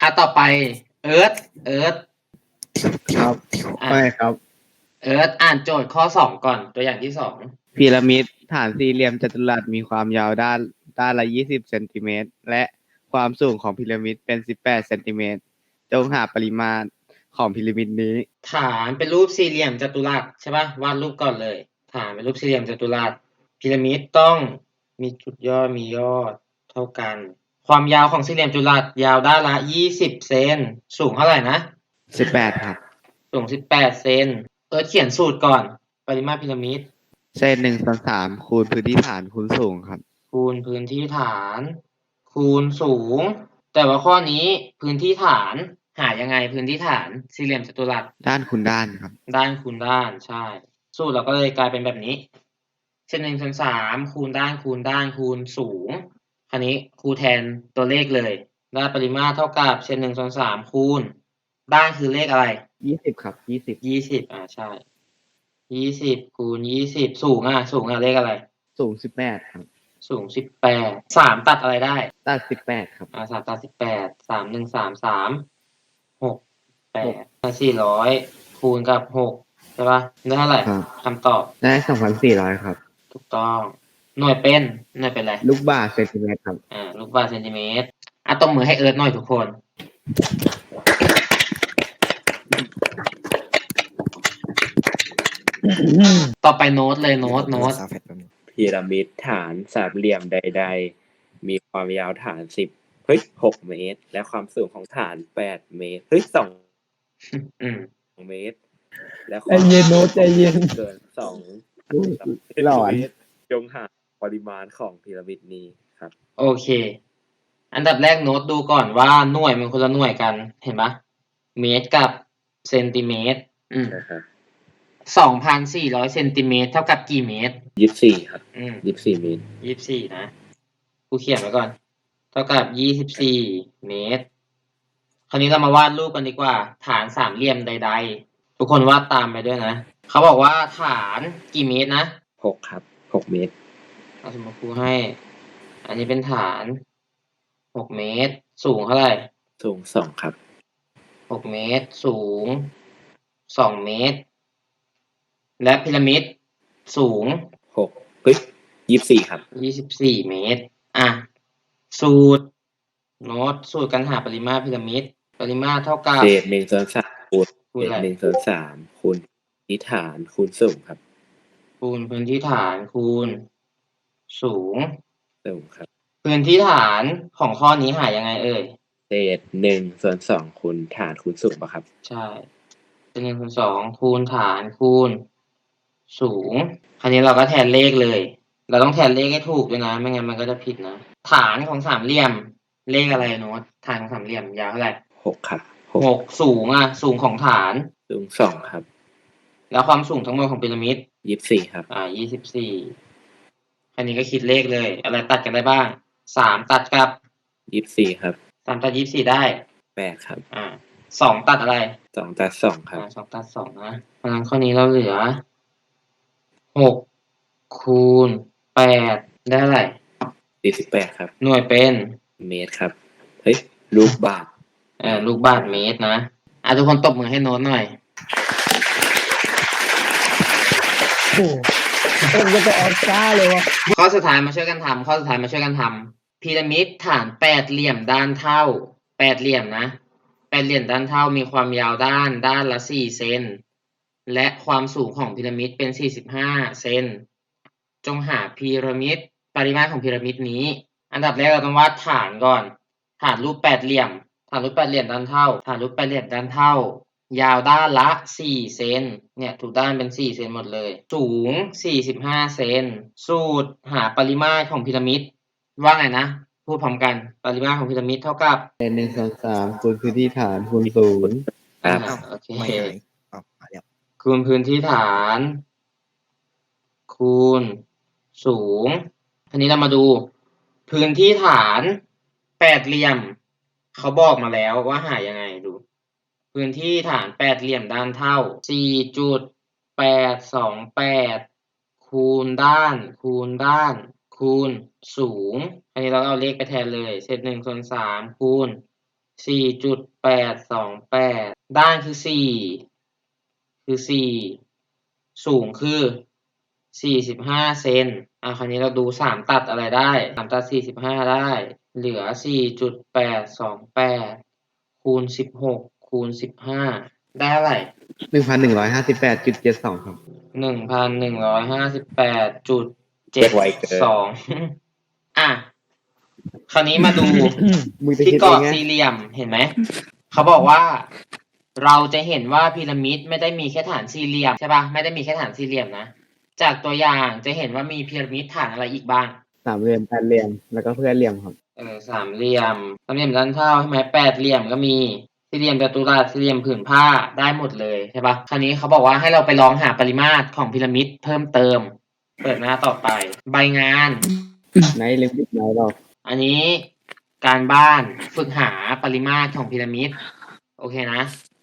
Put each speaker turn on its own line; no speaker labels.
ต่อไปเอิร์ธเอิร์ธ
ครับ
อ่ะ
ไม่ครับ
เอิร์ธอ่านโจทย์ข้อสองก่อนตัวอย่างที่สอง
พีระมิดฐานสี่เหลี่ยมจัตุรัสมีความยาวด้านละ20 เซนติเมตรและความสูงของพีระมิดเป็น18 เซนติเมตรจงหาปริมาตรของพีระมิดนี้
ฐานเป็นรูปสี่เหลี่ยมจัตุรัสใช่ป่ะวาดรูปก่อนเลย ฐานเป็นรูปสี่เหลี่ยมจัตุรัสพีระมิดต้องมีจุดยอดมียอดเท่ากัน ความยาวของสี่เหลี่ยมจัตุรัสยาวด้านละ20 เซนสูงเท่าไหร่นะ
18 ครับ
สูง18 เซนเอิร์ธเขียนสูตรก่อนปริมาตรพีระมิด
เศษ1/3คูณพื้นที่ฐานคูณสูงครับ
คูณพื้นที่ฐานคูณสูง แต่ว่าข้อนี้พื้นที่ฐานหายังไงพื้นที่ฐานสี่เหลี่ยมจัตุรัส
ด้านคูณด้านครับ
ด้านคูณด้านใช่สูตรเราก็เลยกลายเป็นแบบนี้เช่น1/3คูณด้านคูณด้านคูณสูงคราวนี้ครูแทนตัวเลขเลยได้ปริมาตรเท่ากับเช่น1/3คูณด้านคือเลขอะไร
20 ครับ 20
ใช่20คูณ20สูงเลขอะไร
สูง18 ครับ
สูง18 3ตัดอะไรได้
ตัด18 ครับ
3ตัด18 3 1 3 3 6 8 400คูณกับ6ใช่ปะได้เท่าไหร่
ครับ
คำตอบ
ได้ 2,400 ครับ
ถูกต้องหน่วยเป็นอะไร
ลูกบาศก์เซนติเมตรครับ
ลูกบาศก์เซนติเมตรตบมือให้เอิร์ธหน่อยทุกคน ต่อไปโน้ตเลยโน้ต
พีระมิดฐานสามเหลี่ยมใดๆมีความยาวฐาน6 เมตร และความสูงของฐาน8 เมตร2 เมตร และความ
ใจเย็นโน้ตใจเย็น
เกิน2
หลอน
เมตรจงหาปริมาณของพีระมิดนี้ครับ
โอเค อันดับแรกโน้ตดูก่อนว่าหน่วยมันคนละหน่วยกันเห็นปะเมตรกับเซนติเมตร
นะครับ
2,400 เซนติเมตรเท่ากับกี่เมตร
24 ครับ 24 เมตร
24นะกูเขียนไว้ก่อน เท่ากับ24 เมตร คราวนี้เรามาวาดรูปกันดีกว่า ฐานสามเหลี่ยมใดๆ ทุกคนวาดตามไปด้วยนะ เขาบอกว่าฐานกี่เมตรนะ
6 ครับ 6 เมตร
เอาสมมติครูให้ อันนี้เป็นฐาน 6 เมตร สูงเท่าไหร่
สูง2 ครับ
6 เมตร สูง 2 เมตร และพีระมิดสูง
24 ครับ
24 เมตร สูตรโน้ตสูตรการหาปริมาตรพีระมิดปริมาตรเท่ากับ
เศษ1/3คูณ
คูณอะไร
1/3คูณพื้นที่ฐานคูณสูงครับ
คูณพื้นที่ฐานคูณสูง
สูงครับ
พื้นที่ฐานของข้อนี้หายังไงเอ่ย
เศษ1/2คูณฐานคูณสูงป่ะครับ
ใช่เป็น1/2คูณฐานคูณสูง คราวนี้เราก็แทนเลขเลย เราต้องแทนเลขให้ถูกด้วยนะ ไม่งั้นมันก็จะผิดนะ ฐานของสามเหลี่ยม เลขอะไรโน้ตฐานของสามเหลี่ยมยาวเท่าไหร่
6 ครับ
6สูงสูงของฐาน
สูง2 ครับ
แล้วความสูงทั้งหมดของพีระมิด
24 ครับ
24 คราวนี้ก็คิดเลขเลย อะไรตัดกันได้บ้าง 3 ตัดกับ
24 ครับ
3 ตัด 24 ได้
8 ครับ
2 ตัดอะไร
2 ตัด2 ครับ
2 ตัด 2 นะ เพราะฉะนั้นข้อนี้เราเหลือ 6 คูณ 8 ได้เท่าไหร่
48 ครับ
หน่วยเป็น
เมตรครับ เฮ้ย ลูกบาศก์
ลูกบาศก์เมตรนะ ทุกคนตบมือให้โน้ตหน่อย
ผมจะไปออสการ์เลยวะ
ข้อสุดท้ายมาช่วยกันทำพีระมิดฐานแปดเหลี่ยมด้านเท่าแปดเหลี่ยมนะแปดเหลี่ยมด้านเท่ามีความยาวด้านละ4 เซนและความสูงของพีระมิดเป็น45 เซนจงหาพีระมิดปริมาตรของพีระมิดนี้ อันดับแรกเราต้องวาดฐานก่อนฐานรูปแปดเหลี่ยมด้านเท่ายาวด้านละ4 เซนเนี่ยทุกด้านเป็น4 เซนหมดเลยสูง45 เซนสูตรหาปริมาตรของพีระมิดว่าไงนะพูดพร้อมกันปริมาตรของพีระมิดเท่ากับ
เศษ1/3คูณพื้นที่ฐานคูณสูง
ครับ
โอเค
ไม่หายมาแล้ว
คูณพื้นที่ฐาน คูณสูงทีนี้เรามาดูพื้นที่ฐานแปดเหลี่ยมเขาบอกมาแล้วว่าหายังไงดูพื้นที่ฐานแปดเหลี่ยมด้านเท่า 4.828 คูณด้านคูณสูงอันนี้เราเอาเลขไปแทนเลยเศษ1/3คูณ 4.828 ด้านคือ4สูงคือ45 เซนคราวนี้เราดู3ตัดอะไรได้3ตัด45ได้เหลือ4.828คูณ16คูณ15ได้เท่าไหร่
1,158.72 ครับ
1,158.72 คราวนี้มาดู
มึงจะ
ที่
คิด
กร
เอ
อง บ
ไง
สี่เหลี่ยมเห็นไหม เขาบอกว่า เราจะเห็นว่าพีระมิดไม่ได้มีแค่ฐานสี่เหลี่ยมใช่ปะไม่ได้มีแค่ฐานสี่เหลี่ยมนะ จากตัวอย่างจะเห็นว่ามีพีระมิดฐานอะไรอีกบ้าง
สามเหลี่ยมแปดเหลี่ยมแล้วก็เพื่อนเหลี่ยมครับ
สามเหลี่ยมด้านเท่าใช่ไหมแปดเหลี่ยมก็มีสี่เหลี่ยมจัตุรัสสี่เหลี่ยมผืนผ้าได้หมดเลยใช่ปะคราวนี้เขาบอกว่าให้เราไปลองหาปริมาตรของพีระมิดเพิ่มเติม เปิดหน้าต่อไป ใบงาน
ไหนลิมิตไหนหรอก
อันนี้การบ้านฝึกหาปริมาตรของพีระมิดโอเคนะ